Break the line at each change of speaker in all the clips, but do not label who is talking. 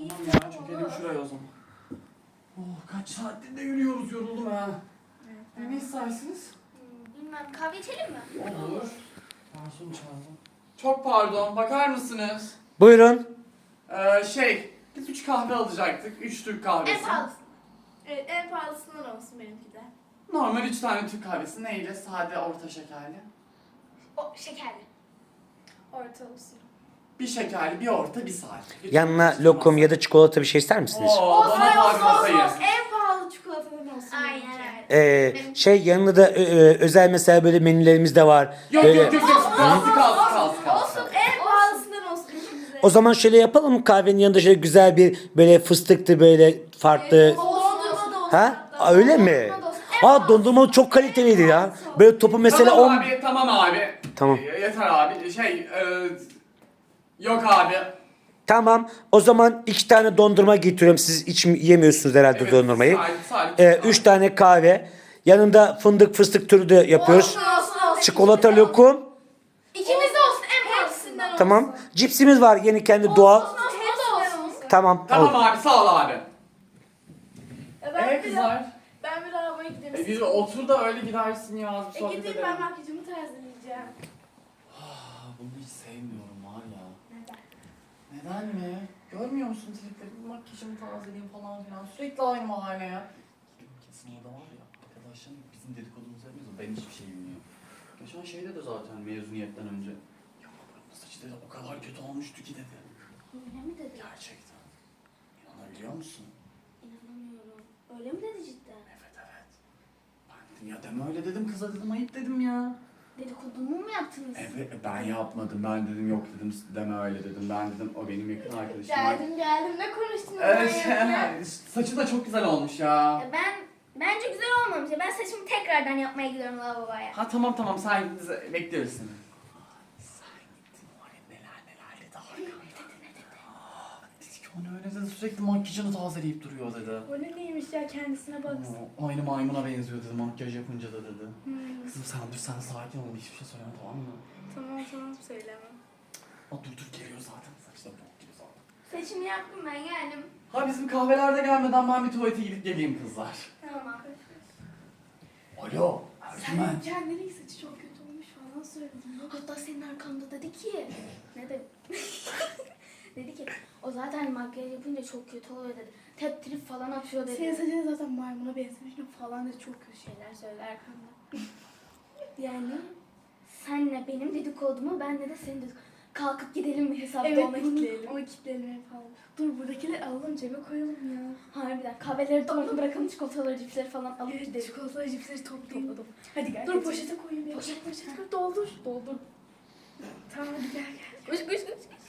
Tamam ya, çökelim şuraya o zaman. Oh, kaç saattir de yürüyoruz, yoruldum ha.
Evet.
Ne istersiniz?
Bilmem, kahve içelim mi?
Olur. Garson çağırdım. Çok pardon, bakar mısınız?
Buyurun.
Biz 3 kahve alacaktık. 3 Türk kahvesi.
En pahalısı.
Evet, en pahalısından olsun benimki de.
Normal 3 tane Türk kahvesi. Neyle? Sade, orta şekerli.
O şekerli.
Orta olsun.
Bir şekerli, bir orta, bir sade. Lütfen
Yanına
karıştırmazsın.
lokum ya da çikolata bir şey ister misiniz?
Oo,
Olsun,
bana kahve
olsun,
masayı.
En pahalı çikolatadan olsun.
Aynen
benimki.
öyle.
Yanında da özel mesela böyle menülerimiz de var.
Yok
Böyle-
yok yok yok. Kalsın kalsın kalsın.
Olsun, en pahalısından olsun ikimize.
O zaman şöyle yapalım mı? Kahvenin yanında şöyle güzel bir böyle fıstıklı böyle farklı.
Dondurma da olsun.
Ha?
hatta.
Aa, öyle mi?
Dondurma da olsun. En
Aa, dondurma çok kaliteliydi ya. Böyle topu mesela
Tamam
10.
abi, tamam abi.
Tamam.
Yeter abi. Yok abi.
Tamam. O zaman 2 tane dondurma getiriyorum. Siz hiç yemiyorsunuz herhalde dondurmayı.
Salih.
3 tane kahve. Yanında fındık fıstık türü de yapıyoruz.
Olsun, olsun.
Çikolata lokum.
İkimiz de olsun en pahalısından.
Hepsinden
Tamam. Cipsimiz var yeni kendi doğal.
Hepsinden olsun.
Tamam.
Tamam
Al.
abi, sağ ol abi.
Ben
Kızlar.
Ben bir arabaya gideyim.
Bir otur da öyle gidersin ya. Bir sohbet
Gideyim
edelim.
ben makyajımı tazeleyeceğim.
Bunu hiç sevmiyorum var ya.
Neden?
Neden mi? Görmüyor musun tripleri? Makyajımı tazeleyeyim falan filan. Sürekli aynı mahalle ya. Kesin orada var ya. Arkadaşlarım bizim dedikodumuzu yapmıyoruz. Ben hiçbir şey bilmiyorum. Geçen şeyde de zaten mezuniyetten önce. Ya buranın saçı dedi o kadar kötü olmuştu ki dedi.
Öyle mi dedi?
Gerçekten. İnanabiliyor musun?
İnanamıyorum. Öyle mi dedi cidden?
Evet evet. Ben dedim ya deme öyle dedim kıza dedim, ayıp dedim ya.
Dedikodumu mu yaptınız?
Evet ben yapmadım, ben dedim yok dedim, deme öyle dedim, ben dedim o benim yakın arkadaşım.
Geldim ne konuştunuz?
Evet,
manyak?
saçı da çok güzel olmuş ya.
Bence güzel olmamış. Ben saçımı tekrardan yapmaya gidiyorum lavaboya.
Ha tamam sen git, bekliyoruz seni. Sen gittin var ya neler dedi arkamda. Dedi ki o ne öyle dedi, sürekli makyajını tazeleyip duruyor dedi.
O ne neymiş ya kendisine baksın.
Aynı maymuna benziyor dedi makyaj yapınca da dedi. Kızım sen dur, sen sakin ol, hiçbir şey söyleme tamam mı?
Tamam söylemem.
Dur geliyor zaten, saçı da bok gibi zaten.
Saçımı yaptım ben geldim.
Ha bizim kahvelerde gelmeden ben bir tuvalete gidip geleyim kızlar.
Tamam.
Alo Ercüment.
Kendinin saçı çok kötü olmuş falan söyledin.
Hatta senin arkanda dedi ki. Ne dedi? Dedi ki o zaten makyaj yapınca çok kötü oluyor dedi. Tep trip falan atıyor dedi.
Senin saçın zaten maymuna benzemiş falan da çok kötü şeyler söyler arkamda.
Yani senle benim dedikodumu, benle de senin dedikodumu. Kalkıp gidelim mi hesapta
Evet
ona kitleyelim.
onu kitleyelim falan. Dur buradakileri alalım cebe koyalım ya.
Harbiden kahveleri de ona bırakalım, çikolataları, cipsleri falan alıp
Evet
gidelim.
çikolatalı cipsleri toplayayım.
Topladım.
Hadi gel. Dur poşete koyayım ya. Poşet koy doldur. Tamam hadi gel.
Koş.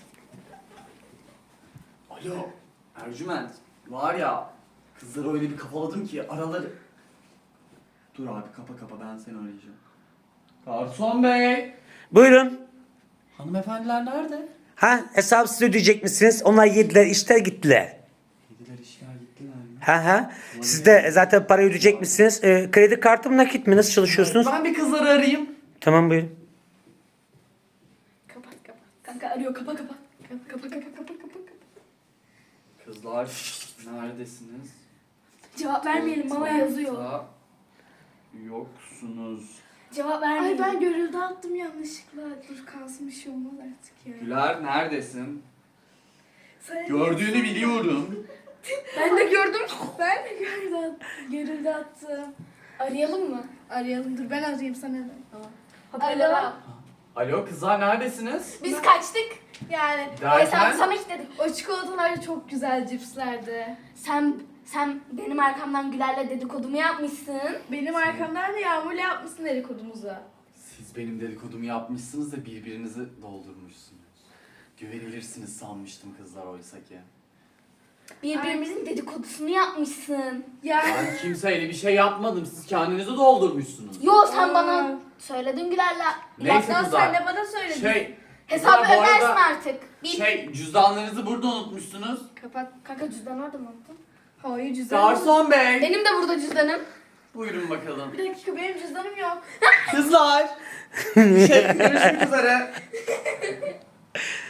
Alo Ercüment. Var ya kızları öyle bir kafaladım ki araları... Dur abi kapa ben seni arayacağım. Garson bey.
Buyurun.
Hanımefendiler nerede?
Ha, hesabı siz ödeyecek misiniz? Onlar yediler, işler gittiler.
Yediler işler gittiler mi?
Ha. Siz de zaten parayı ödeyecek misiniz? Kredi kartı mı nakit mi? Nasıl çalışıyorsunuz?
Ben bir kızları arayayım.
Tamam buyurun.
Kapat. Kanka arıyor kapa. Kapa.
Kızlar neredesiniz?
Cevap vermeyelim bana yazıyor.
Da yoksunuz.
Cevap
Ay
vermeyin.
ben görüldü attım yanlışlıkla. Dur kalsın bir şey olmaz artık ya.
Güler neredesin?
Sen-
Gördüğünü biliyorum.
Ben de gördüm.
Ben de görüldü attım.
Arayalım mı?
Arayalım dur ben arayayım sana da.
Hoparlörü al.
Alo kızlar neredesiniz?
Biz kaçtık.
Yani
Hesabı
Derken?
sana kilitledik.
o çikolatalar çok güzel cipslerdi.
Sen benim arkamdan Güler'le dedikodumu yapmışsın.
Benim arkamdan da Yağmur'la yapmışsın dedikodumuzu.
Siz benim dedikodumu yapmışsınız da birbirinizi doldurmuşsunuz. Güvenilirsiniz sanmıştım kızlar oysa ki.
Birbirimizin dedikodusunu yapmışsın.
Yani
Ben kimseyle bir şey yapmadım. Siz kendinizi doldurmuşsunuz.
Yo sen
Aa.
bana söyledin Güler'le.
Neyse
Hatta
kızlar.
sen de bana söyledin.
Hesabı
kızlar, bu
ödersin
arada
artık.
cüzdanlarınızı burada unutmuşsunuz.
Kapat.
Kanka cüzdan orada mı unuttun?
Hayır cüzdanım.
Garson bey.
Benim de burada cüzdanım.
Buyurun bakalım.
Bir dakika benim cüzdanım yok.
Kızlar. Görüşmek üzere.